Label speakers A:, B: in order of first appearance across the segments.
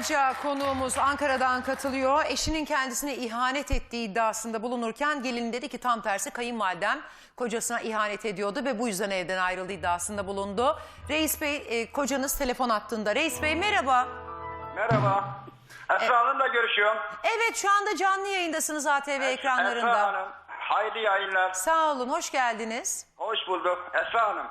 A: Karaca konuğumuz Ankara'dan katılıyor. Eşinin kendisine ihanet ettiği iddiasında bulunurken gelin dedi ki tam tersi kayınvalidem kocasına ihanet ediyordu ve bu yüzden evden ayrıldı iddiasında bulundu. Reis Bey kocanız telefon hattında. Reis Bey merhaba.
B: Merhaba. Esra Hanım'la görüşüyorum.
A: Evet şu anda canlı yayındasınız ATV ekranlarında.
B: Esra Hanım, hayırlı yayınlar.
A: Sağ olun, hoş geldiniz.
B: Hoş bulduk. Esra Hanım.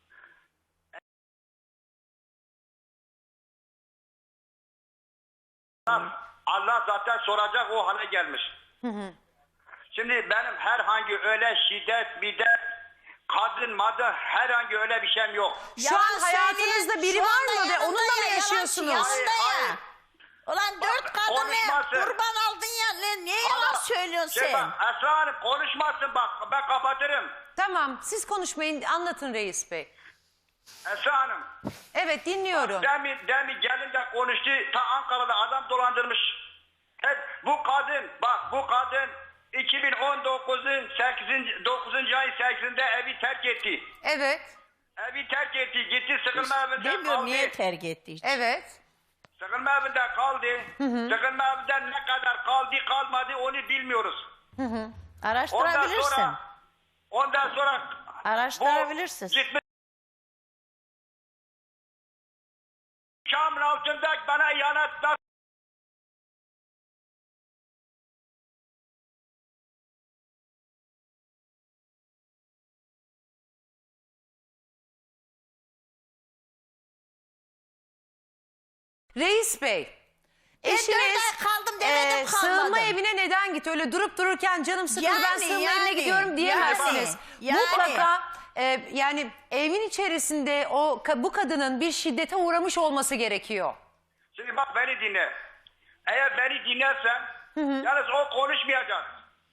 B: Allah zaten soracak, o hale gelmiş. Şimdi benim herhangi öyle şiddet, kadın, herhangi öyle bir şeyim yok.
A: Şu an hayatınızda biri var mı ve onunla mı yaşıyorsunuz?
B: Hayır.
C: Ulan dört kadını
B: konuşmasın.
C: kurban aldın ya. Niye yalan söylüyorsun sen?
B: Bak, Esra Hanım konuşmasın bak, ben kapatırım.
A: Tamam, siz konuşmayın, anlatın Reis Bey.
B: Esra Hanım.
A: Evet, dinliyorum.
B: Demin gelin de konuştu. Ta Ankara'da adam dolandırmış. Hep bu kadın, bak bu kadın 2019'un 9. ay 8'inde evi terk etti.
A: Evet,
B: Evi terk etti. Gitti sıkılma evinde
C: Bilmiyorum
B: kaldı.
C: niye terk etti hiç.
A: evet.
B: Sıkılma evinde kaldı. Sıkılma evinden ne kadar kaldı kalmadı onu bilmiyoruz.
C: Araştırabilirsin.
B: Ondan sonra
C: Araştırabilirsin.
B: gitmiş. Şam'ın altında bana ihanetler.
A: Reis Bey, eşiniz
C: 4 ay kaldım demedim, kalmadım.
A: sığınma evine neden gitti? Öyle durup dururken canım sıkıldı ben
C: Yani,
A: sığınma evine
C: yani,
A: gidiyorum diyemezsiniz.
C: yani.
A: Mutlaka yani evin içerisinde bu kadının bir şiddete uğramış olması gerekiyor.
B: Şimdi bak beni dinle. Eğer beni dinlersen yalnız o konuşmayacak.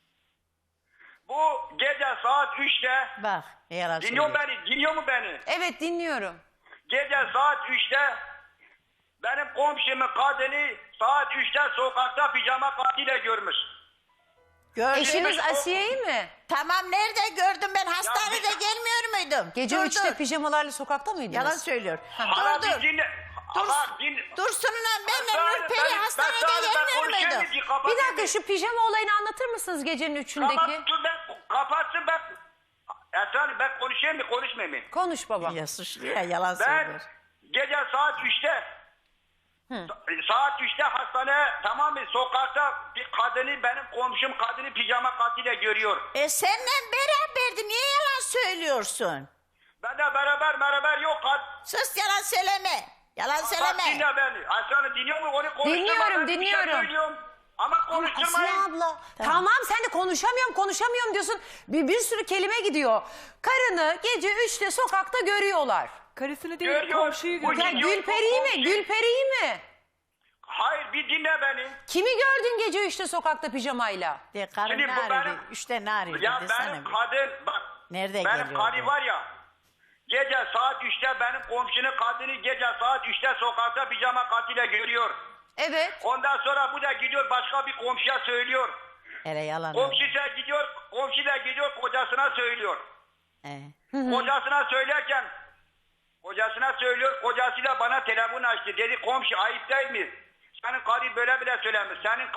B: Bu gece saat 3'te
C: Bak yalan
B: dinliyor
C: söylüyor.
B: dinliyor mu beni?
A: Evet, dinliyorum.
B: Gece saat 3'te benim komşumun kadını saat 3'te sokakta pijama katıyla görmüş.
C: Gördün.
A: Eşiniz
B: o-
A: Asiye'yi mi?
C: Tamam nerede gördüm ben hastanede
B: bir-
C: gelmiyor muydum?
A: Gece
C: Dur,
A: 3'te
C: dur.
A: pijamalarla sokakta mıydınız?
C: Yalan söylüyor.
B: Hala
C: Dur
B: bir
C: dur.
B: dinle. Bak,
C: Dursun'la benle
B: Ben-
C: Nurperi
B: ben
C: hastanede
B: sana- ben
C: gelmiyor
B: konuşayım
C: muydum?
B: mı? Kapat-
A: Bir dakika şu pijama olayını anlatır mısınız gecenin 3'ündeki?
B: Kapatsın ben. Esra Hanım ben konuşayım mı konuşmayayım mı?
A: Konuş baba.
C: Ya suçlu ya yalan
B: Ben
C: söylüyor.
B: gece saat 3'te saat 3'te hastaneye tamam mı sokakta bir kadını benim komşum kadını pijama katıyla görüyor.
C: Seninle beraberdi niye yalan söylüyorsun?
B: Ben de beraber yok.
C: Sus yalan söyleme. Yalan
B: Bak
C: söyleme.
B: dinle beni. Aslanı dinliyor mu? Onu konuşturmadan bir
A: Dinliyorum.
B: şey söylüyorum. Ama
A: Asiye
B: konuşturmayın.
A: abla tamam sen de konuşamıyorum diyorsun. Bir sürü kelime gidiyor. Karını gece 3'te sokakta görüyorlar.
D: Karısını değil
B: Görüyor.
D: komşuyu
B: Bu
D: görüyor.
A: Ya
B: gidiyor,
A: Gülperi'yi mi?
B: komşu.
A: Gülperi'yi mi?
B: Hayır bir dinle beni.
A: Kimi gördün gece 3'te sokakta pijamayla?
C: De karın
B: Şimdi
C: ne
B: bu
C: arıyordu?
B: benim-
C: 3'te ne arıyordu
B: Ya
C: desene
B: benim
C: bir.
B: kadın bak.
C: Nerede
B: benim
C: geliyordu?
B: karı var ya. Gece saat 3'te benim komşunun kadını gece saat 3'te sokakta pijama katıyla görüyor.
A: Evet.
B: Ondan sonra bu da gidiyor başka bir komşuya söylüyor.
C: Hele yalan.
B: Komşu da gidiyor kocasına söylüyor. Kocasına söylerken kocasına söylüyor, kocası da bana telefon açtı. Dedi komşu ayıp değil mi? Senin karın böyle bile söylemiş. Senin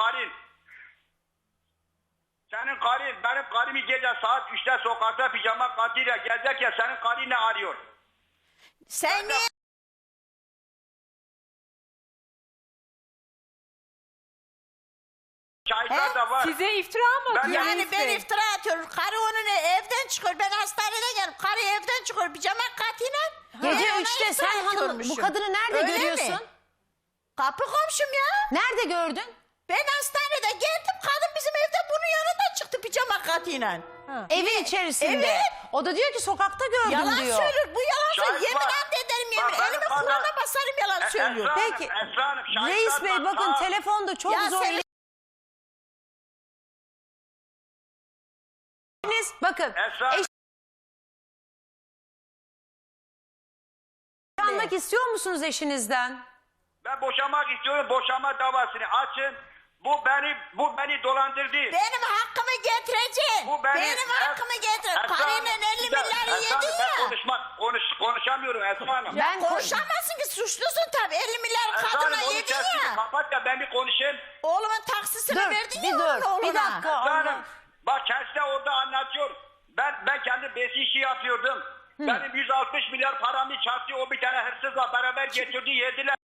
B: karın benim karımı gece saat 3'te sokakta pijama katıyla gezerken senin karın ne arıyor?
C: Sen niye?
B: Şahitler de var.
D: Size iftira mı atıyor
C: Yani
D: Reis
C: ben
D: Bey?
C: iftira atıyorum. Karı onun evden çıkıyor. Ben hastanede geldim. Karı evden çıkıyor. Pijama katıyla.
A: Gece
C: Ben ona
A: 3'te
C: iftira
A: sen hanım bu
C: atıyormuşum.
A: kadını nerede
C: Öyle
A: görüyorsun?
C: mi? Kapı komşum ya.
A: Nerede gördün?
C: Ben hastanede geldim. Kadın bizim evde bunun yanında çıktı pijama katıyla.
A: Evin içerisinde.
C: Evet.
A: O da diyor ki sokakta gördüm
C: Yalan
A: diyor.
C: söylüyor. Bu yalan
B: Şahit
C: söylüyor. Yemin
B: var.
C: ederim
B: Bak,
C: yemin.
B: benim
C: Elimi
B: kadın-
C: Kur'an'a basarım yalan söylüyor.
B: Esra Hanım,
A: Peki.
B: Esra Hanım, şahitler
A: Reis Bey
B: var.
A: bakın
B: Aa,
A: telefonda çok
C: Ya
A: zor.
C: sen-
A: Bakın
B: Esra Hanım,
A: boşanmak istiyor musunuz eşinizden?
B: ben boşamak istiyorum. Boşanma davasını açın. Bu beni dolandırdı.
C: Benim hakkımı getireceksin.
B: Bu beni-
C: Benim hakkımı getireceksin.
B: Esra
C: Karıyla
B: Hanım,
C: 50 milyarı
B: Esra Hanım,
C: yedin
B: ben
C: ya.
B: konuşamıyorum Esra Hanım.
A: Ben
C: Konuşamazsın Yapamazsın ki, suçlusun tabii. 50 milyar
B: Esra
C: kadına
B: Hanım, onu
C: yedin
B: sesini
C: ya.
B: kapat da ben bir konuşayım.
C: Oğlumun taksisini
A: Dur,
C: verdin
A: bir
C: ya
A: dur.
C: oğluna.
A: Bir dakika.
B: Esra Hanım,
A: Allah.
B: bak kendisi de orada anlatıyor. Ben kendi besi işi yapıyordum. Benim 160 milyar paramı çarptı. O bir tane hırsızla beraber getirdi, yediler.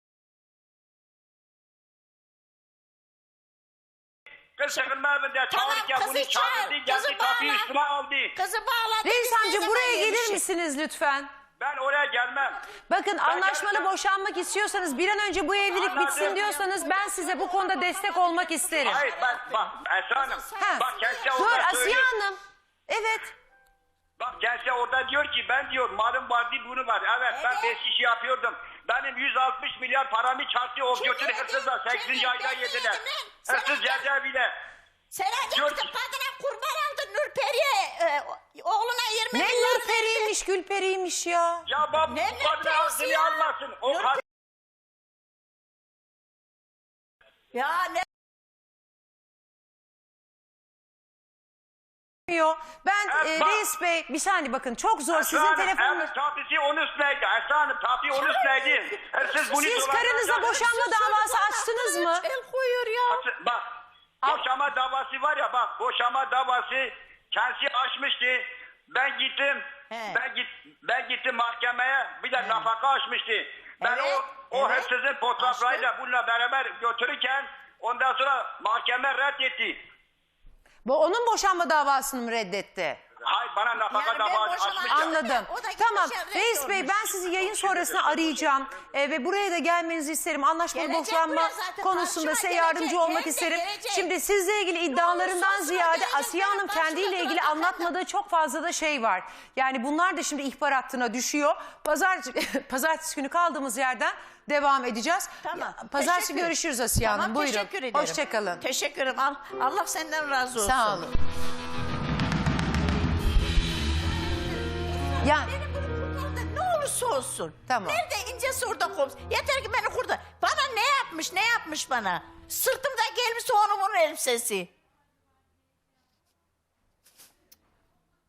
B: Kız sıkılma evinde çağırırken
C: kızı
B: bunu
C: çağır,
B: çağırdı.
C: kızı
B: Geldi kapıyı
C: bağla.
B: üstüme aldı.
C: Kızı bağladı.
A: Reis
C: biz ne
A: amca
C: zaman
A: buraya gelir
C: yemişiz?
A: misiniz lütfen?
B: Ben oraya gelmem.
A: Bakın anlaşmalı
B: geleceğim.
A: boşanmak istiyorsanız, bir an önce bu evlilik
B: Anladım.
A: bitsin diyorsanız ben size bu konuda destek olmak isterim.
B: Hayır bak Esra Hanım.
A: Ha.
B: Bak kendisi
A: Dur
B: orada
A: Asiye
B: söylüyor.
A: Hanım. Evet.
B: Bak kendisi orada diyor ki ben diyor malım vardı bunu var. Evet ben
C: Evet.
B: 5 işi yapıyordum. Benim 160 milyar paramı çarptı. O
C: Kim
B: götürü
C: yedi?
B: hırsızla 8.
C: Kim
B: ayda
C: yedi?
B: yediler.
C: Sen
B: Hırsız
C: yedin.
B: cezaevine.
C: Sen
B: Diyor
C: gittin
B: ki-
C: kadına kurban aldın Nurperi'ye. Oğluna 20
A: Ne
C: milyar
A: Nurperi'ymiş, Gülperi'ymiş ya.
B: Ya bak
C: Ne
B: bu kadını
C: nefes
B: ağzını
C: ya?
B: almasın. O
C: Nurperi-
B: kadın
C: Ya ne?
A: Ben
B: Evet, bak.
A: Reis Bey bir saniye bakın çok zor
B: Esra
A: sizin
B: Hanım,
A: telefonunuz.
B: evet tapisi onun üstüneydi. Esra Hanım tapi onun üstüneydi. Hırsız bunu
A: Siz
B: dolandıracak.
A: karınıza boşanma davası açtınız mı?
C: El koyuyor ya.
B: Bak boşama davası var ya bak boşama davası kendisi açmıştı. Ben gittim.
C: He.
B: Ben gittim mahkemeye. Bir de nafaka açmıştı. Ben
C: Evet,
B: o
C: evet.
B: hırsızın fotoğraflarıyla bununla beraber götürürken ondan sonra mahkeme reddetti.
A: Bu onun boşanma davasını mı reddetti?
B: Hayır bana nafaka
C: Yani ben
B: davası
C: boşama-
B: açmış ya.
A: Anladım.
C: O da
A: Tamam.
C: gitmiş,
A: Reis Bey ben sizi yayın sonrasında arayacağım ve buraya da gelmenizi isterim. Anlaşmalı
C: Gelecek
A: boşanma
C: buraya zaten,
A: konusunda
C: karşıma
A: size
C: gelecek,
A: yardımcı olmak
C: hem de
A: isterim.
C: gelecek.
A: Şimdi sizle ilgili iddialarından
C: olursa
A: ziyade
C: gelecek,
A: Asiye Hanım
C: karşıma
A: kendiyle ilgili
C: duracak.
A: anlatmadığı çok fazla da şey var. Yani bunlar da şimdi ihbar hattına düşüyor. Pazartesi günü kaldığımız yerden devam edeceğiz.
C: Tamam.
A: Pazartesi
C: Teşekkür.
A: görüşürüz Asiye Hanım.
C: Tamam,
A: Buyurun.
C: teşekkür ederim.
A: Hoşçakalın.
C: Teşekkür ederim. Allah senden razı olsun.
A: Sağ olun. Ya
C: Beni bunu kurtar da ne olursa olsun.
A: Tamam.
C: Nerede incesi orada kopsun. Yeter ki beni kurtar. Bana ne yapmış bana? Sırtımda gelmiş onun elbisesi.